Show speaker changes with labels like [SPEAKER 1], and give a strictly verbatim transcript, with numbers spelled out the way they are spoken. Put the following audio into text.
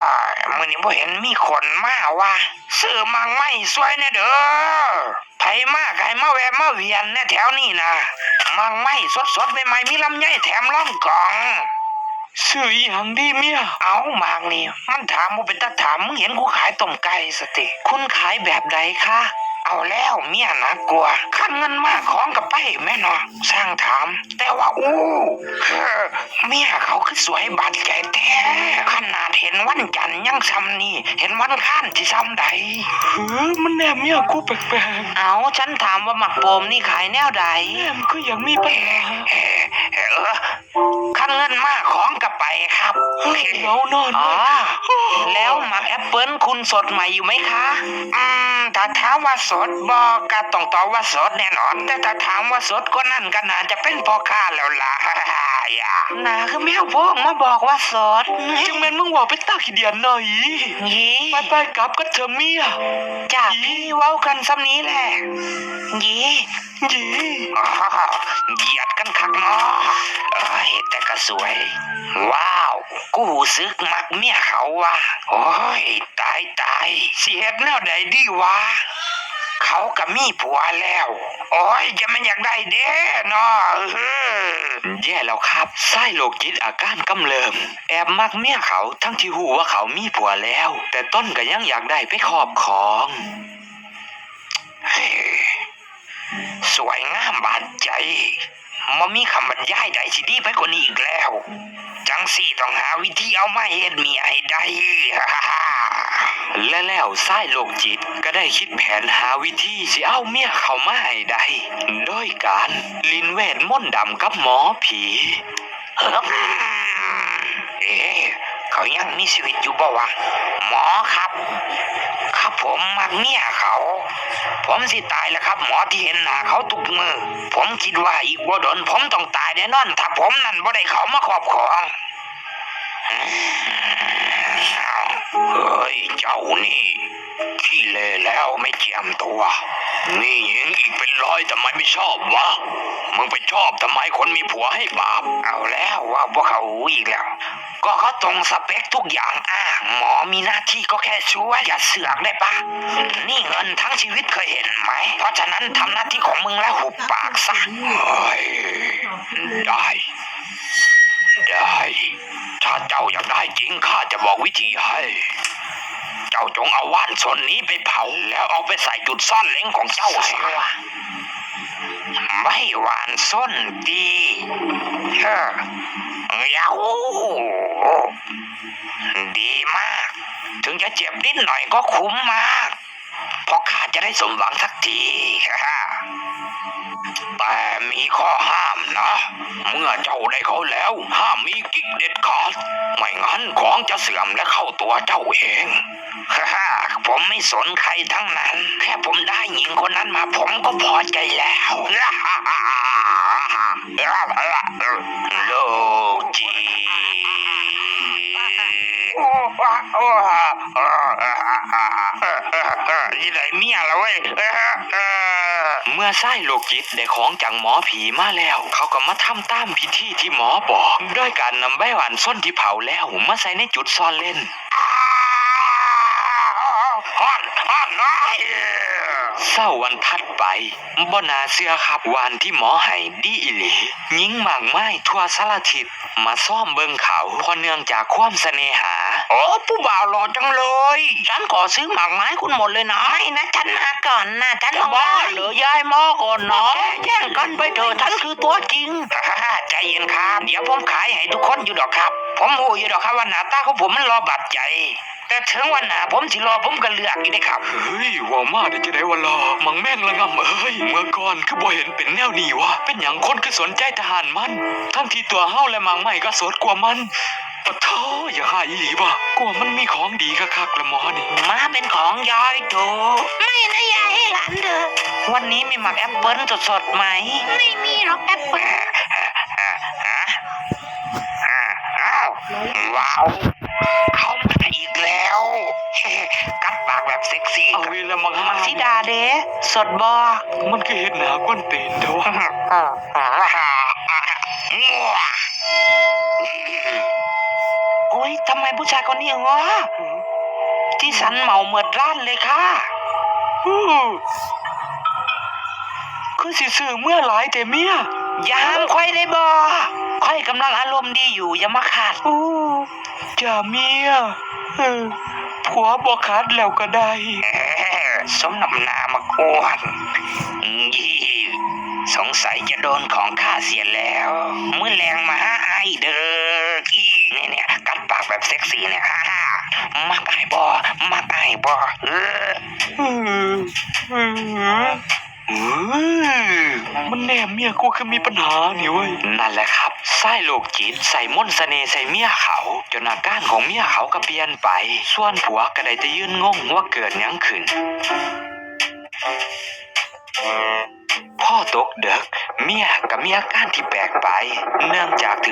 [SPEAKER 1] มื้อนี้บ่เห็นมีคนมาว่ะซื้อมังไม่สวยแน่เด้อไผมาก็ให้มาแวะมาเวียนแน่แถวนี้นะมังไม่สดๆใหม่ๆมีลำไยแถมล่องกล่องซื้ออีหยังดีเมียเอามางนี่มันถามบ่เป็นตาถามมึงเห็นกูขายต้มไก่สติคุณขายแบบใดคะเอาแล้วเมียนะกลัวขั้นเงินมากของกับไปแม่เนาะสร้างถามแต่ว่าอู้เฮ้อเมียเขาคือสวยบาดใจแท้ขนาดเห็นวันจันทร์ยังซ้ำนี่เห็นวันข้านที่ซ้ำใดเฮ้อมันแนมเมียกูแปลกๆเอาฉันถามว่าหมักโปมนี่ขายแนวใดแนมก็ยังมีปัญหาเออขั้นเงินมากของกับไปครับเงานอนอ๋อแล้วหมักแอปเปิ้ลคุณสดใหม่อยู่ไหมคะอืมถ้าถามว่าสดบอกก็ต้องตอบว่าสดแน่นอนแต่ถ้าถามว่าสดก็นั่นก็น่าจะเป็นพ่อค้าแล้วล่ะอย่าน่าคือแมวพวกมาบอกว่าสดจึงแม่นมึงว่าไปตาขี้เดียนหน่อยยี่ไปไปกลับก็เธอเมียจากพี่เว้ากันซ้ำนี้แหละยี่ยี่เหยียดกันคักเนาะเอ้ยแต่ก็สวยว้าวกูซึกมักเมียเขาว่ะโอ้ยตายตายเสียดแนวใดดีวะเขากับมีผัวแล้วโอ้ยจะมันอยากได้เด้เนาะแย่แล้วครับไส้โรคจิตอาการกำเริบแอบมักเมียเขาทั้งที่หูว่าเขามีผัวแล้วแต่ต้นก็ยังอยากได้ไปครอบครองสวยงามบาดใจมันมีคำบรรยายใดที่ดีไปกว่านี้อีกแล้วจังสี่ต้องหาวิธีเอามาเฮ็ดเมียให้ได้ และแล้วไส้โรคจิตก็ได้คิดแผนหาวิธีสิเอาเมียเข้ามาให้ได้โดยการลินเวทมนต์ดำกับหมอผีเอ๊ะเขายังมีชีวิตอยู่บ่วะหมอครับครับผมมักเมียเขาผมสิตายแล้วครับหมอที่เห็นหน้าเขาทุกมือผมคิดว่าอีกบ่ดนผมต้องตายแน่นอนถ้าผมนั่นบ่ได้เขามาครอบครองเฮ้ยเจ้านี่ขี้เละแล้วไม่เจียมตัวนี่หญิงอีกเป็นร้อยทำไมไม่ชอบวะมึงไปชอบทำไมคนมีผัวให้บาปเอาแล้วว่าพวกเขาอีกแล้วก็เขาตรงสเปคทุกอย่างอ่ะหมอมีหน้าที่ก็แค่ช่วยอย่าเสือกได้ปะนี่เงินทั้งชีวิตเคยเห็นไหมเพราะฉะนั้นทำหน้าที่ของมึงแล้วหุบปากซะได้ได้ถ้าเจ้าอยากได้จริงข้าจะบอกวิธีให้เจ้าจงเอาว่านส่วนนี้ไปเผาแล้วเอาไปใส่จุดซ่อนเล้งของเจ้าเสียไม่หวานส้นดีเฮ้อยาวดีมากถึงจะเจ็บนิดหน่อยก็คุ้มมากเพราะข้าจะได้สมหวังสักทีแต่มีข้อห้ามนะเมื่อเจ้าได้เขาแล้วห้ามมีกิ๊กเด็ดขาดไม่งั้นของจะเสื่อมและเข้าตัวเจ้าเองฮ่าผมไม่สนใครทั้งนั้นแค่ผมได้หญิงคนนั้นมาผมก็พอใจแล้วโลจียี่ไหนเมียแล้วเว้ยเมื่อไส้โลกิตได้ของจากหมอผีมาแล้วเขาก็มาทำตามพิธีที่หมอบอกด้วยการนำใบหวานส้นที่เผาแล้วมาใส่ในจุดซ่อนเล่นฮ้อนฮ้อนน้อยเศร้าวันถัดไปบ่นาเสื้อครับวานที่หมอให้ดีอิหลียิงหมากไม้ทั่วสารทิศมาซ่อมเบิ่งเขาเพราะเนื่องจากความเสน่หาโอ้ผู้บ่าวหล่อจังเลยฉันขอซื้อหมากไม้คุณหมดเลยนะไม่นะฉันมาก่อนนะฉันต้องบ้าเหรือยายมอก่อนเนาะแย่งกันไปเถอะฉันคือตัวจริงใจเย็นครับเดี๋ยวผมขายให้ทุกคนอยู่ดอกครับผมหูอยู่ดอกครับว่าหน้าตาของผมมันรอบาดใจแต่ถึงวันหน้าผมสิรอผมก็เลือกอยู่ได้ครับเฮ้ยว่ามาได้จะได้วันรอมังแม่งละงำเอ้ยเมื่อก่อนคือบ่เห็นเป็นแนวนี้วะเป็นอย่างคนคือสนใจทหารมันทั้งที่ตัวเฮาและมังไม่ก็สดกว่ามันปะโธ่อย่าหายอีหลีบ่กลัวมันมีของดีคักๆละหมอนี่มาเป็นของยายโถไม่นะยายให้หลานเด้อวันนี้มีหมักแอปเปิ้ลสดๆไหมไม่มีหรอกแอปเปิ้ลว้าวเขามาอีกแล้วกัดปากแบบเซ็กซี่เอาวีละมังมักซิดาเด้สดบ่มันคือเห็ดหนาก้นตีนเด้อโอ้ยทำไมผู้ผู้ชายคนนี้เหรอที่สันเหมาเหมือดร้านเลยค่ะคือสิซื้อเมื่อหลายแต่เมียยามค่อยได้บ่ค่อยกำลังอารมณ์ดีอยู่อย่ามาขาดจ้าเมียผัวบ่ขาดแล้วก็ได้สมน้ำหน้ามากวนยี่สงสัยจะโดนของข้าเสียแล้วมื้อแรงมาหาไอเด้อกี้เนี่ยเนี่ยกัดปากแบบเซ็กซี่เนี่ยฮ่าฮ่ามักไอบ่มักไอบ่เออมันแน่เมียกูคือมีปัญหานี่เว้ยนั่นแหละครับไส้โลกจิตใส่มนต์เสน่ห์ใส่เมียเขาจนอาการของเมียเขาก็เปลี่ยนไปส่วนผัวก็ได้แต่ยืนงงว่าเกิดหยังขึ้นพ่อตกเด็กเมียกับมีอาการที่แปลกไปเนื่องจากถึง